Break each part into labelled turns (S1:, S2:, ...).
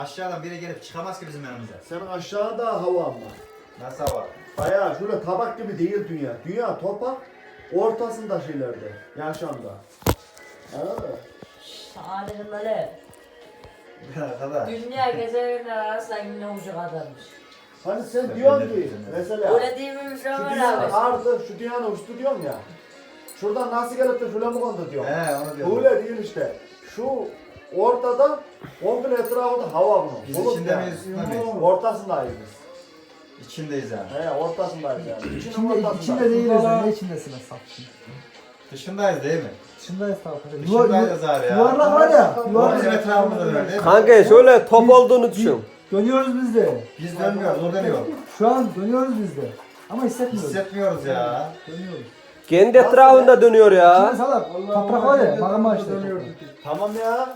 S1: Aşağıdan biri gelip çıkamaz ki bizim yanımıza.
S2: Senin aşağıda hava ama.
S1: Nasıl hava?
S2: Bayağı şöyle tabak gibi değil dünya. Dünya topak ortasında şeylerde. Yaşamda. Anladın mı?
S3: Sadece böyle.
S1: Kadar.
S3: Dünya gezegenler arasında yine ucu kadarmış.
S2: Hani sen diyorsun ki mesela
S3: Öyle değil mi
S2: şu
S3: Ömer
S2: dünyanın
S3: abi?
S2: ardı, şu dünyanın üstü diyorsun ya. Şuradan nasıl gelip de şöyle mi kondu diyorsun.
S1: He onu diyorum.
S2: Böyle değil işte. Şu ortada komple etrafında hava bunun.
S1: Biz
S2: Bulut
S1: içinde
S2: yani.
S1: miyiz, üstünde miyiz?
S2: Ortasındayız biz.
S1: İçindeyiz yani.
S2: He ortasındayız yani. İçinin
S4: İçinde
S2: ortasındayız.
S4: değiliz ya. Ne içindesin sapsın?
S1: Dışındayız değil mi?
S4: Dışındayız tabii.
S1: Dışındayız abi ya.
S4: Yuvarlak var ya.
S1: Bizim
S4: Yuvarlak.
S1: etrafımızda dönüyor değil mi?
S5: Kanka şöyle top olduğunu düşün.
S4: Dönüyoruz biz de.
S1: Biz dönmüyoruz, o dönüyor.
S4: Şu an dönüyoruz biz de. Ama hissetmiyoruz.
S1: Hissetmiyoruz ya.
S4: Dönüyoruz.
S5: Kendi etrafında dönüyor
S4: İçinde
S5: ya.
S4: salak. Toprak var ya. Magma işte.
S2: Tamam ya.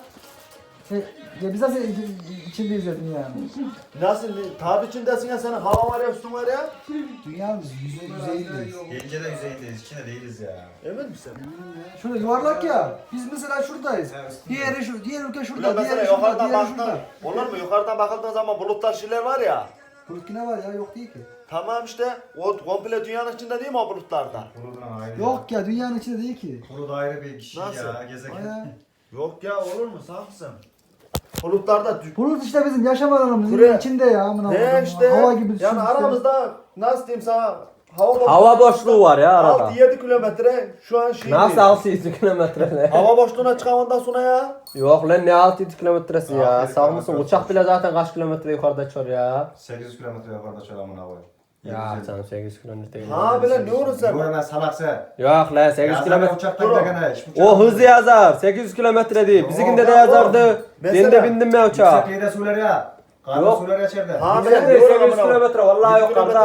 S4: Ya biz nasıl içindeyiz ya dünyanın?
S2: Nasıl? Tabi içindesin ya senin hava var ya üstün var ya.
S4: Dünyanın yüzeyindeyiz.
S1: Gelince de yüzeyindeyiz, içinde değiliz ya.
S2: Emin misin?
S4: Şurada yuvarlak ya. Biz mesela şuradayız. Diğer ülke
S2: Ulan
S4: şurada.
S2: mesela
S4: Diğeri şurada.
S2: yukarıdan
S4: Diğeri
S2: baktın.
S4: şurada.
S2: Olur mu? Yukarıdan bakıldığın zaman bulutlar şeyler var ya.
S4: Bulut ne var ya? Yok değil ki.
S2: Tamam işte o komple dünyanın içinde değil mi o bulutlarda?
S1: Kurudan ayrı.
S4: Yok ya dünyanın içinde değil ki.
S1: Kuru da ayrı bir kişi
S2: Nasıl?
S1: ya, gezegen.
S4: Aya.
S2: Yok ya olur mu? Saf mısın? Bulutlarda
S4: Bulut işte bizim yaşam alanımız.
S2: Buraya-
S4: içinde ya. Amına
S2: ne
S4: koyayım.
S2: işte?
S4: Hava gibi düşün
S2: Yani
S4: işte.
S2: aramızda nasıl diyeyim sana
S5: Hava boşluğu var ya arada.
S2: 6-7 kilometre şu an şey
S5: Nasıl
S2: değil.
S5: 600 kilometre ne?
S2: Hava boşluğuna çıkamandan sonra ya.
S5: Yok lan ne 600 kilometresi ya.
S1: 600
S5: Sağ mısın?
S1: kilometre
S5: Uçak bile zaten kaç kilometre yukarıda uçuyor ya.
S1: 800 kilometre yukarıda çalamın hava.
S5: Ya canım 800 kilometre değil.
S2: Ha böyle ne olur sen?
S1: Bu hemen salak sen.
S5: Yok lan 800 kilometre.
S1: Uçaktan
S2: Dur.
S1: giderken hiç
S5: O hızı yazar. 800 kilometre değil. Bizimkinde de
S2: ya,
S5: yazardı.
S2: mesela-
S5: Ben de bindim ya uçağa.
S1: Yüksekliği de söyler ya. Karnı
S5: Yok.
S1: söyler içeride.
S2: Ha
S5: Bizim
S2: ben
S5: de
S2: diyorum
S5: 800
S2: amına.
S5: kilometre vallahi yok kardeş.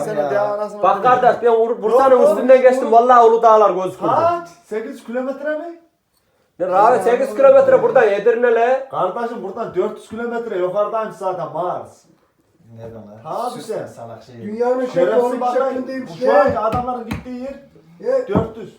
S5: Bak kardeş ben Bursa'nın
S2: Yok,
S5: üstünden
S2: yok,
S5: geçtim.
S2: yok.
S5: Vallahi Uludağlar gözükürdü.
S2: Kaç? 8 kilometre mi?
S5: Ne abi 800 kilometre buradan Edirne'le.
S2: Kardeşim buradan 400 kilometre yukarıdaymış zaten Mars.
S1: Nereden lan?
S2: Ha,
S1: Sus
S2: bir
S1: sen
S2: şey.
S1: salak şey.
S4: Dünyanın
S2: Şerefsiz bakayım. Bu şu anki adamların gittiği yer 400.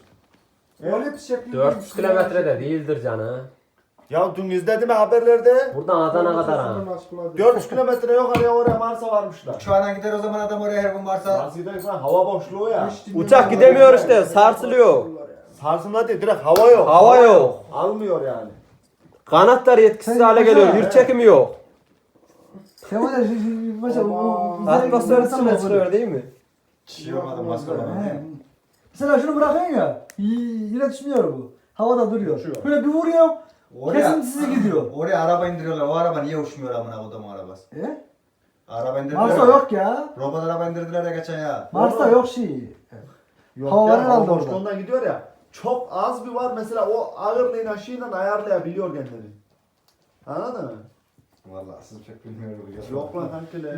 S2: Evet.
S5: 400 kilometre de değildir canım.
S2: Ya dün izledim ya haberlerde.
S5: Buradan Adana kadar ha.
S2: 400 kilometre yukarıya oraya Mars'a varmışlar.
S1: Uçağına gider o zaman adam oraya her gün varsa.
S2: Mars giderken hava boşluğu ya.
S5: Uçak gidemiyor işte sarsılıyor.
S2: Sarsınlar değil direkt hava yok.
S5: Hava yok.
S2: Almıyor yani.
S5: Kanatlar yetkisiz
S4: Sen
S5: hale
S4: mesela-
S5: geliyor. Yurt çekimi yok.
S4: Sen var ya mesela
S5: Atmosfer dışına çıkıyor değil mi?
S1: Şey olmadı maskara.
S4: Mesela şunu bırakıyorsun ya. Yine düşmüyor bu. Havada duruyor.
S2: Uçuyor.
S4: Böyle bir vuruyor.
S1: Oraya,
S4: Kesintisiz gidiyor.
S1: oraya araba indiriyorlar. O araba niye uçmuyor amına kodum arabası? Araba indirdiler.
S4: Mars'ta yok ya.
S1: Robot araba indirdiler ya geçen ya.
S4: Mars'ta yok şey.
S2: Yok
S4: Hava
S2: ya,
S4: var herhalde
S2: hava
S4: orada.
S2: boşluğundan gidiyor ya. Çok az bir var mesela o ağırlığın aşıyla ayarlayabiliyor kendini. Anladın mı?
S1: Vallahi siz pek bilmiyorum.
S2: Yok lan kankiler.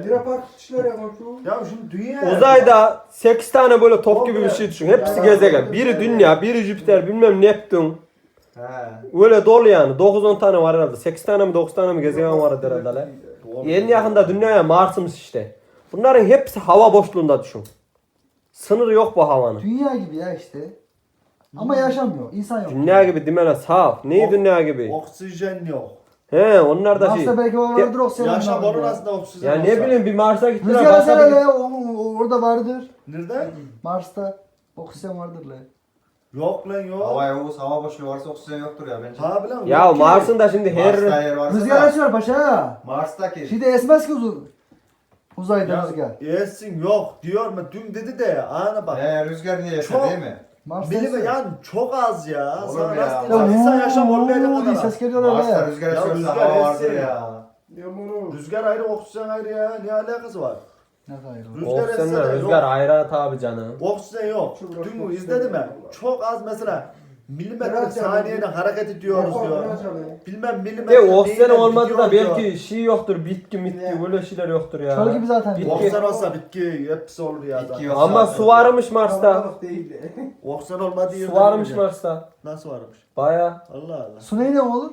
S2: Ya şimdi dünya.
S5: Uzayda 8 tane böyle top gibi bir şey düşün. Hepsi gezegen. Biri Dünya, biri Jüpiter, bilmem Neptün.
S1: He.
S5: Öyle dolu yani. 9-10 tane var herhalde. 8 tane mi 9 tane mi gezegen var herhalde lan. En yakında Dünya'ya Mars'ımız işte. Bunların hepsi hava boşluğunda düşün. Sınırı yok bu havanın.
S4: Dünya gibi ya işte. Ama yaşamıyor. İnsan yok.
S5: Dünya gibi dimene saf. Neyi dünya gibi?
S2: Oksijen yok.
S5: He onlar da şey.
S4: Mars'ta belki vardır oksijen.
S2: Yaşam
S4: vardır
S2: onun
S4: ya.
S2: aslında oksijen
S5: Ya ne
S2: olsa.
S5: bileyim bir Mars'a gittiler.
S4: Rüzgar
S5: Mars'a
S4: eser
S5: bir-
S4: hele orada vardır.
S2: Nerede?
S4: Mars'ta oksijen vardır lan.
S2: Yok lan yok.
S1: Hava yavuz, hava boşluğu varsa oksijen yoktur ya bence.
S2: Ha bilen
S5: Ya
S2: yok ki.
S5: Mars'ın da şimdi
S1: Mars'ta
S5: her
S1: yer varsa
S4: Rüzgar
S1: da.
S4: esiyor paşa.
S1: Mars'taki.
S4: Şeyde esmez ki uzayda
S2: Ya
S4: rüzgar.
S2: yesin yok diyor mu? Dün dedi de ana bak.
S1: Rüzgar niye
S2: Çok-
S1: yeter değil mi?
S4: Mars'ta
S2: Bilim
S4: esiyor.
S2: yani çok az ya.
S1: Olur
S2: Sana
S1: ya.
S2: nasıl
S4: Ya
S2: diyeyim? İnsan yaşam
S4: vuuu
S2: olmayacak
S4: diye
S2: kadar.
S4: ses geliyor
S1: Mars'ta
S4: öyle.
S1: rüzgar
S2: Ya
S1: esiyorsa
S2: rüzgar
S1: hava vardır
S2: essin.
S1: ya.
S2: Rüzgar ayrı, oksijen ayrı ya. Ne alakası var?
S4: Ne kadar
S2: Rüzgar esse
S5: oksijenler,
S2: de
S5: rüzgar
S2: yok.
S5: ayrı tabi canım.
S2: Oksijen yok. Dün izledim mi? Çok az mesela milimetre saniyede hareket ediyoruz diyor. Bilmem milimetre
S5: De oksijen
S2: neyle
S5: olmadı da
S2: gidiyor diyor.
S5: belki şey yoktur, bitki mitki böyle şeyler yoktur ya.
S4: Çöl gibi zaten.
S5: Bitki.
S2: Oksijen olsa bitki hepsi olur ya
S1: Bitki
S2: zaten.
S1: yok.
S5: Ama su varmış Mars'ta.
S2: Oksijen olmadığı yerde
S5: Su varmış
S2: bilmiyorum.
S5: Mars'ta.
S2: Nasıl varmış?
S5: Baya.
S2: Allah Allah.
S4: Su neyle olur?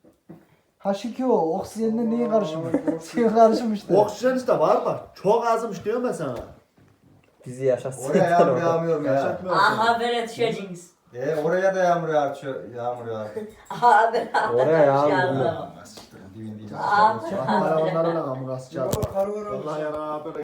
S4: H2O. Oksijenle neyin karışımı? Suyun karışımı işte.
S2: Oksijen işte var bak. Çok azmış diyorum ben sana.
S5: Bizi yaşatsın.
S1: Oraya yağmur yağmıyor mu ya?
S2: Yaşatmıyorsun.
S3: Aha böyle düşeceğiz.
S1: Oraya da yağmur yağıyor. Yağmur yağıyor.
S3: Aha ben
S5: Oraya yağmur
S3: şey
S5: bilmiyorum.
S3: anlamam. Abi.
S2: Bak onlarla amına sıçar. Vallahi ya böyle